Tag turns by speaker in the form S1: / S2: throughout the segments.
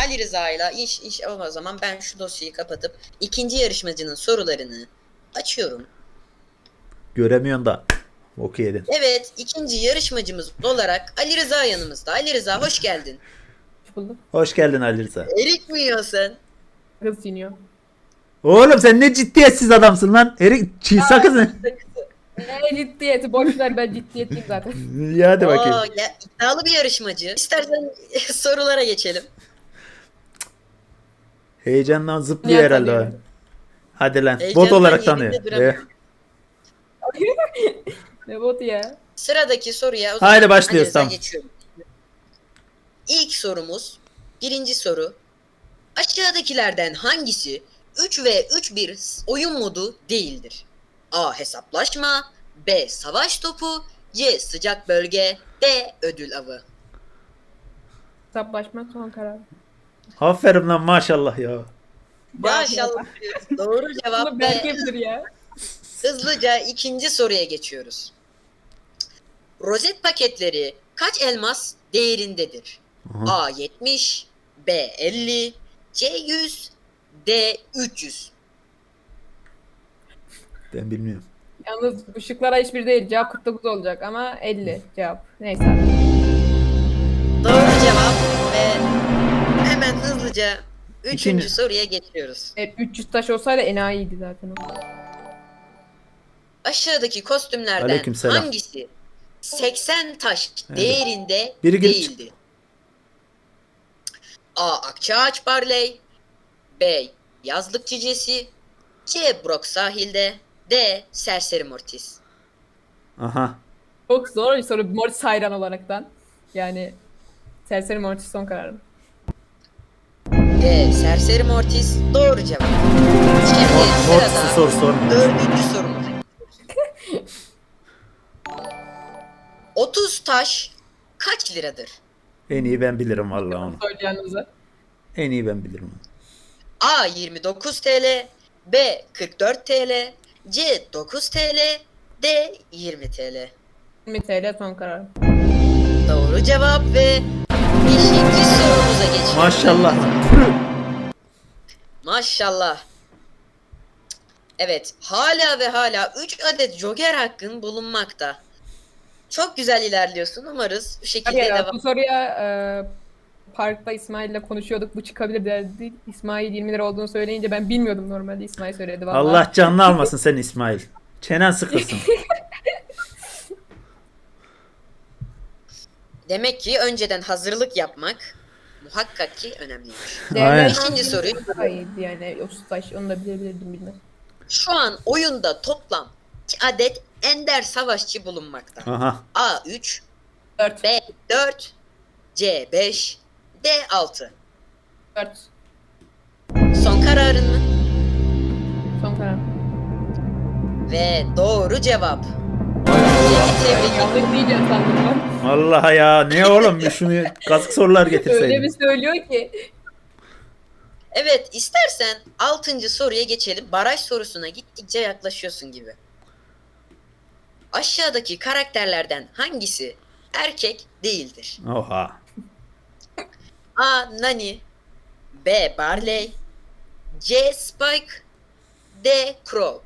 S1: Ali Rıza'yla iş o zaman ben şu dosyayı kapatıp ikinci yarışmacının sorularını açıyorum.
S2: Göremiyorsun da. Oku yedin.
S1: Evet, ikinci yarışmacımız olarak Ali Rıza yanımızda. Ali Rıza hoş geldin.
S3: Hoş bulduk.
S2: Hoş geldin Ali Rıza.
S1: Erik mi yiyorsun?
S3: Kız çiğniyor.
S2: Oğlum sen ne ciddiyetsiz adamsın lan. Erik çiğ sakız ne?
S3: Ciddiyeti boş ver, ben ciddiyetliyim zaten.
S2: Ya hadi bakayım.
S1: Ya, iddialı bir yarışmacı. İstersen sorulara geçelim.
S2: Heyecandan zıplıyor
S3: Niye
S2: herhalde.
S3: tanıyor?
S2: o. Hadi lan.
S1: Heyecandan
S2: Bot olarak
S1: yerinde
S2: tanıyor.
S1: duramıyor.
S3: Ne botu ya?
S1: Sıradaki soruya o zaman
S2: Haydi başlıyoruz,
S1: Ali Rıza
S2: tamam.
S1: geçiyorum. İlk sorumuz, birinci soru. Aşağıdakilerden hangisi 3 ve 3-1 oyun modu değildir? A. Hesaplaşma, B. Savaş topu, C. Sıcak bölge, D. Ödül avı.
S3: Hesaplaşma son karar.
S2: Aferin lan maşallah ya.
S1: Maşallah diyoruz. Doğru cevap
S3: Bunu
S1: B.
S3: Berke'dir ya.
S1: Hızlıca ikinci soruya geçiyoruz. Rozet paketleri kaç elmas değerindedir?
S2: Aha.
S1: A 70, B 50, C 100, D 300.
S2: Ben bilmiyorum.
S3: Yalnız bu şıklara hiçbir değil. Cevap 49 olacak ama 50 cevap. Neyse.
S1: Doğru cevap ve hemen hızlıca üçüncü
S2: İkinci-
S1: soruya geçiyoruz.
S3: 300 taş olsaydı enayiydi zaten o.
S1: Aşağıdaki kostümlerden
S2: Aleykümselam.
S1: hangisi 80 taş
S2: Evet.
S1: değerinde
S2: Biri girip
S1: değildi? A. Akçaağaç Barley, B. Yazlık Cücesi, C. Brock Sahilde, D. Serseri Mortis.
S2: Aha.
S3: Çok zor bir soru Mortis hayran olaraktan. Yani Serseri Mortis son kararım.
S1: D. Serseri Mortis doğru cevap. Şimdi
S2: Mortis'i
S1: sırada
S2: sor sorma.
S1: dördüncü sorumuz. 30 taş kaç liradır?
S2: En iyi ben bilirim vallahi onu.
S3: Söyleyeceğinize.
S2: En iyi ben bilirim onu.
S1: A 29 TL, B 44 TL, C 9 TL, D 20 TL.
S3: 20 TL son kararım.
S1: Doğru cevap ve 5. sorumuza geçiyoruz.
S2: Maşallah.
S1: Maşallah. Evet, hala ve hala 3 adet Joker hakkın bulunmakta. Çok güzel ilerliyorsun. Umarız bu şekilde
S3: Hadi ya,
S1: devam.
S3: bu soruya parkta İsmail'le konuşuyorduk. Bu çıkabilir derdi. İsmail 20 lira olduğunu söyleyince ben bilmiyordum normalde. İsmail söyledi vallahi.
S2: Allah canını almasın sen İsmail. Çenen sıkılsın.
S1: Demek ki önceden hazırlık yapmak muhakkak ki önemliymiş.
S2: Aynen.
S1: Beşinci soruyu
S3: Daha iyiydi yani. 30 taş onu da bilebilirdim bilmem.
S1: Şu an oyunda toplam 2 adet ender savaşçı bulunmakta.
S2: Aha.
S1: A 3,
S3: 4.
S1: B 4, C 5, D 6.
S3: 4.
S1: Son kararın mı?
S3: Son kararım.
S1: Ve doğru cevap. Seni tebrik ederim.
S3: Yanlış diyeceğim sandım ben.
S2: Allah ya ne oğlum şunu kazık sorular
S3: Öyle bir
S2: getirseydin.
S3: söylüyor ki.
S1: Evet, istersen 6. soruya geçelim. Baraj sorusuna gittikçe yaklaşıyorsun gibi. Aşağıdaki karakterlerden hangisi erkek değildir?
S2: Oha.
S1: A. Nani, B. Barley, C. Spike, D. Crow.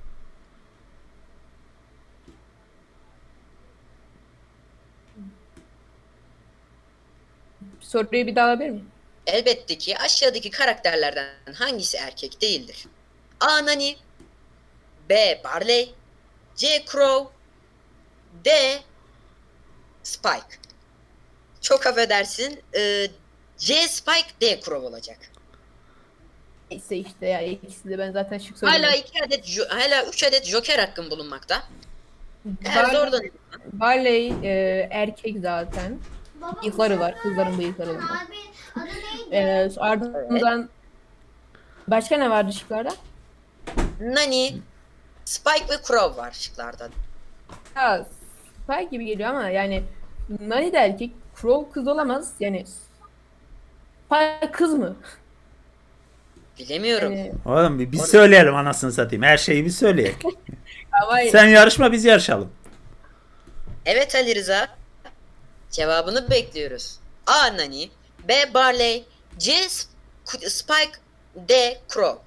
S3: Soruyu bir daha alabilir miyim?
S1: Elbette ki aşağıdaki karakterlerden hangisi erkek değildir? A. Nani, B. Barley, C. Crow, D. Spike. Çok affedersin. C. Spike, D. Crow olacak.
S3: Neyse işte ya ikisi de ben zaten şık söyledim.
S1: Hala 3 adet Joker hakkın bulunmakta. Eğer zordan
S3: Barley erkek zaten. Bıyıkları var. Kızların bıyıkları var.
S4: Abi adı neydi?
S3: Ardından başka ne vardı şıklarda?
S1: Nani, Spike ve Crow var şıklarda.
S3: Ya Spy gibi geliyor ama yani Nani de erkek, Crow kız olamaz. Yani Spy kız mı?
S1: Bilemiyorum.
S3: Yani,
S2: Oğlum bir söyleyelim anasını satayım. Her şeyi bir söyleyelim.
S3: ama
S2: Sen yarışma biz yarışalım.
S1: Evet Ali Rıza. Cevabını bekliyoruz. A. Nani, B. Barley, C. Spike, D. Crow.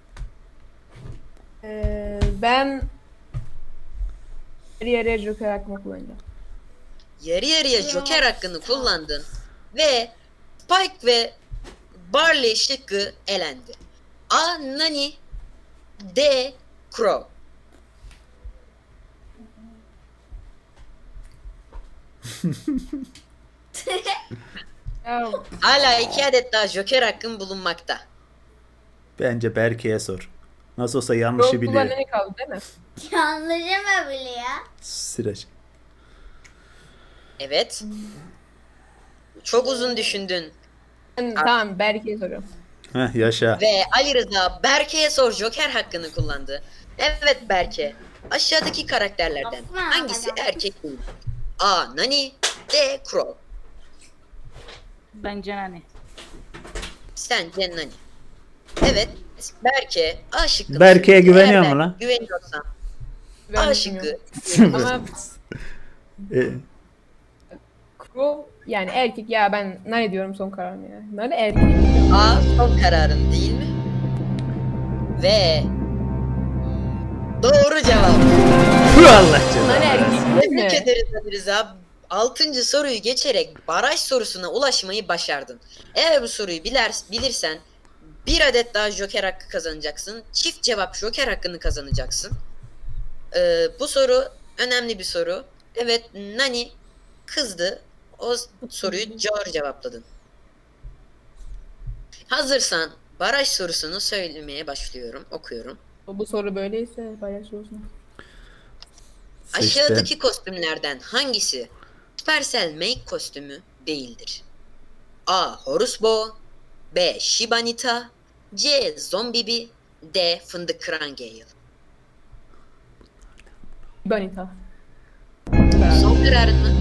S3: Ben yarı yarıya Joker hakkımı kullanacağım.
S1: Yarı yarıya Joker hakkını kullandın ve Spike ve Barley şıkkı elendi. A. Nani, D. Crow.
S3: Ya,
S1: Hala 2 adet daha Joker hakkın bulunmakta.
S2: Bence Berke'ye sor. Nasıl olsa yanlışı
S3: Crow
S2: biliyor.
S3: kullanmaya kaldı değil mi?
S4: Yanlışıma bile ya.
S2: Sıraç.
S1: Evet. Çok uzun düşündün.
S3: Tamam Berke'ye soruyorum.
S2: Heh, yaşa.
S1: Ve Ali Rıza Berke'ye sor Joker hakkını kullandı. Evet Berke. Aşağıdaki karakterlerden
S4: Aferin
S1: hangisi
S4: bana.
S1: erkek değil? A. Nani, D. Crow.
S5: Bence hani.
S1: Sence Nani? Evet. Berke A şıkkını
S2: Berke'ye
S1: söyledi.
S2: güveniyor
S1: Eğer
S2: mu lan?
S1: Güveniyorsan
S3: Ben
S1: A şıkkı.
S3: bilmiyorum. Ama
S2: E,
S3: Crow yani erkek ya ben ne diyorum son kararım ya. Nani erkek.
S1: A son kararın değil mi? Ve doğru cevap.
S2: Tüh Allah
S3: Nani
S2: canına.
S3: erkek değil mi?
S1: Tebrik ederiz Ali Rıza. 6. soruyu geçerek baraj sorusuna ulaşmayı başardın. Eğer bu soruyu bilirsen bir adet daha Joker hakkı kazanacaksın. Çift cevap Joker hakkını kazanacaksın. Bu soru önemli bir soru. Evet Nani kızdı. O soruyu doğru cevapladın. Hazırsan baraj sorusunu söylemeye başlıyorum. Okuyorum.
S3: Bu soru böyleyse bayağı şey olsun.
S2: Seçtim.
S1: Aşağıdaki kostümlerden hangisi Supercell Make kostümü değildir? A. Horus Bow, B. Shiba Nita, C. Zombibi, D. Fındık Kıran Gale.
S3: Banita.
S1: Son kararın mı?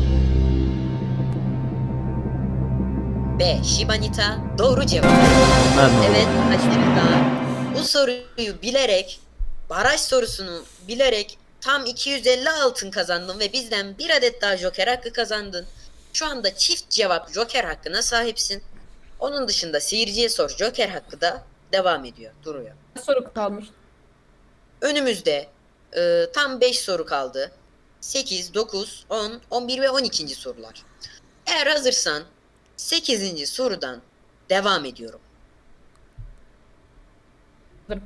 S1: B. Shiba Nita doğru cevap.
S2: Lan oğlum.
S1: Evet Aşırıda bu soruyu bilerek baraj sorusunu bilerek tam 250 altın kazandın ve bizden bir adet daha Joker hakkı kazandın. Şu anda çift cevap Joker hakkına sahipsin. Onun dışında seyirciye sor Joker hakkı da devam ediyor, duruyor.
S3: Soru kalmış.
S1: Önümüzde tam 5 soru kaldı. 8, 9, 10, 11 ve 12. sorular. Eğer hazırsan 8. sorudan devam ediyorum.
S3: Hazırım.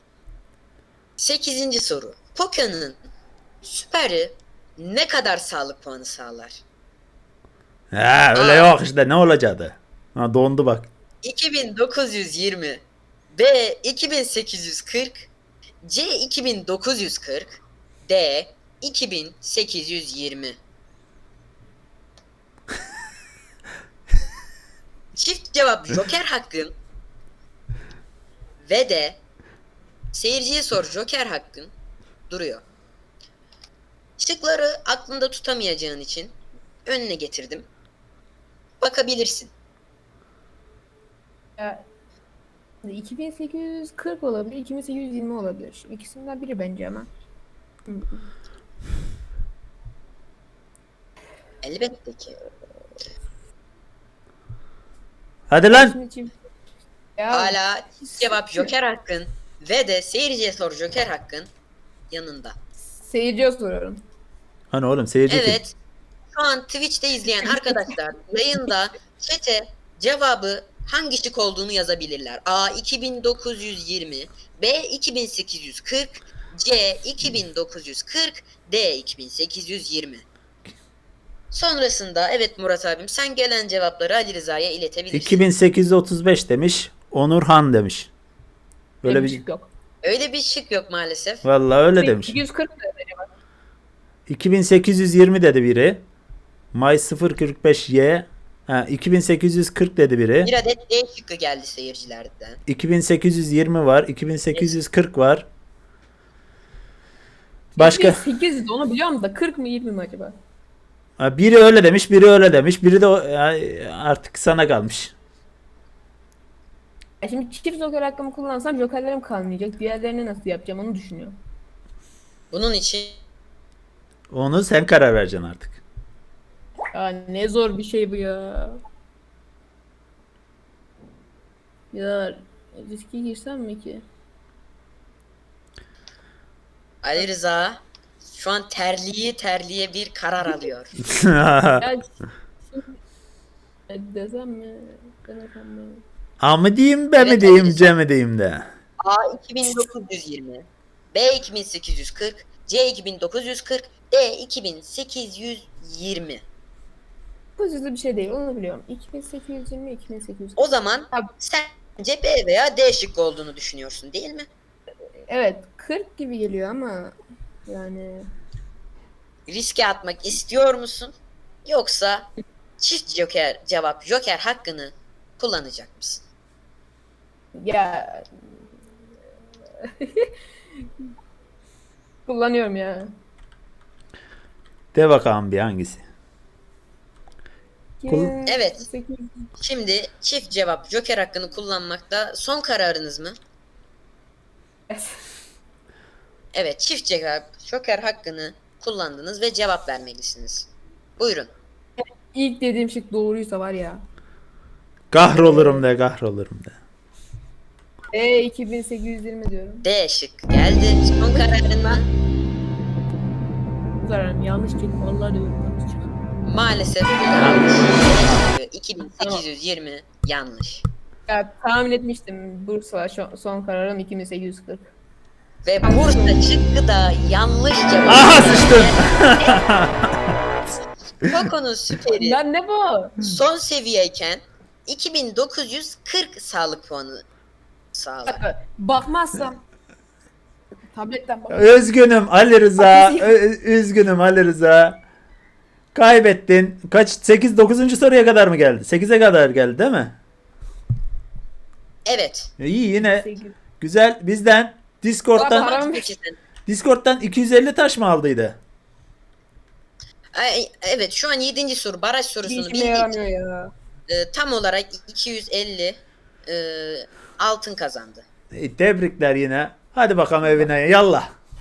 S1: 8. soru. Pokemon'un süperi ne kadar sağlık puanı sağlar?
S2: Ha öyle yok işte ne olacaktı? Ha dondu bak.
S1: 2920, B 2840, C 2940, D 2820. Çift cevap Joker hakkın ve de seyirciye sor Joker hakkın duruyor. Şıkları aklında tutamayacağın için önüne getirdim. Bakabilirsin.
S3: Ya, 2840 olabilir, 2820 olabilir. İkisinden biri bence ama.
S1: Elbette ki.
S2: Hadi lan.
S3: Şimdi çift- Ya,
S1: Hala cevap Joker hakkın ve de seyirciye sor Joker hakkın yanında.
S3: seyirciye soruyorum.
S2: Hani oğlum seyirci kim?
S1: Evet. Şu an Twitch'te izleyen arkadaşlar yayında chat'e cevabı hangi şık olduğunu yazabilirler. A 2920, B 2840, C 2940, D 2820. Sonrasında evet Murat abim sen gelen cevapları Ali Rıza'ya iletebilirsin.
S2: 2835 demiş. Onurhan demiş. Böyle bir
S3: şık yok.
S1: Öyle bir şık yok maalesef.
S2: vallahi öyle demiş.
S3: 240 da acaba.
S2: 2820 dedi biri. May 045Y. Ha 2840 dedi biri.
S1: Bir adet D şıkkı geldi seyircilerden.
S2: 2820 var. 2840 var. Başka
S3: 800 onu biliyorum da 40 mı 20 mi acaba?
S2: ha, biri öyle demiş, biri öyle demiş. Biri de artık sana kalmış.
S3: Ya şimdi çift joker hakkımı kullansam jokerlerim kalmayacak. Diğerlerini nasıl yapacağım onu düşünüyorum.
S1: Bunun için
S2: Onu sen karar vereceksin artık.
S3: Ya ne zor bir şey bu ya. Ya riske girsem mi ki?
S1: Ali Rıza şu an terliye bir karar alıyor.
S3: Ya şimdi desem mi? Demesem mi?
S2: A mı diyeyim, B mi
S1: Evet,
S2: diyeyim,
S1: Ali
S2: C mi diyeyim de.
S1: A 2920, B 2840, C 2940, D 2820.
S3: Bu hızlı bir şey değil, onu biliyorum. 2820, 2840.
S1: O zaman
S3: Abi.
S1: sence B veya D şıkkı olduğunu düşünüyorsun değil mi?
S3: Evet, 40 gibi geliyor ama yani
S1: Riske atmak istiyor musun? Yoksa çift joker hakkını kullanacak mısın?
S3: ya kullanıyorum ya.
S2: De bakalım bir hangisi.
S1: Evet.
S3: 8.
S1: Şimdi çift cevap joker hakkını kullanmakta son kararınız mı? Evet, çift cevap joker hakkını kullandınız ve cevap vermelisiniz. Buyurun.
S3: İlk dediğim şık doğruysa var ya.
S2: Kahrolurum de, kahrolurum de.
S3: 2820 diyorum.
S1: D şık geldi. Son kararın mı?
S3: Bu kararım yanlış kelime. Vallahi diyorum yanlış çıktı.
S1: Maalesef yanlış. D şıkkı 2820 yanlış.
S3: Ya tahmin etmiştim. Bursa son kararım 2840.
S1: Ve Bursa şıkkı da yanlış cevap.
S2: Aha sıçtım.
S1: Koko'nun süperi
S3: Lan ne bu?
S1: son seviyeyken 2940 sağlık puanı sağlar.
S3: Bakmazsam tabletten bak.
S2: Üzgünüm Ali Rıza. Üzgünüm Ali Rıza. Kaybettin. Kaç? 8 9. soruya kadar mı geldi? 8'e kadar geldi değil mi?
S1: Evet.
S2: İyi yine güzel. Bizden Discord'dan
S3: Param-
S1: Peki sen.
S2: Discord'dan 250 taş mı aldıydı?
S1: Evet, şu an 7. soru baraj
S3: Bir
S1: sorusunu
S3: işime
S1: bildik.
S3: yaramıyor ya.
S1: Tam olarak 250 altın kazandı.
S2: Tebrikler yine. Hadi bakalım evine. Yallah.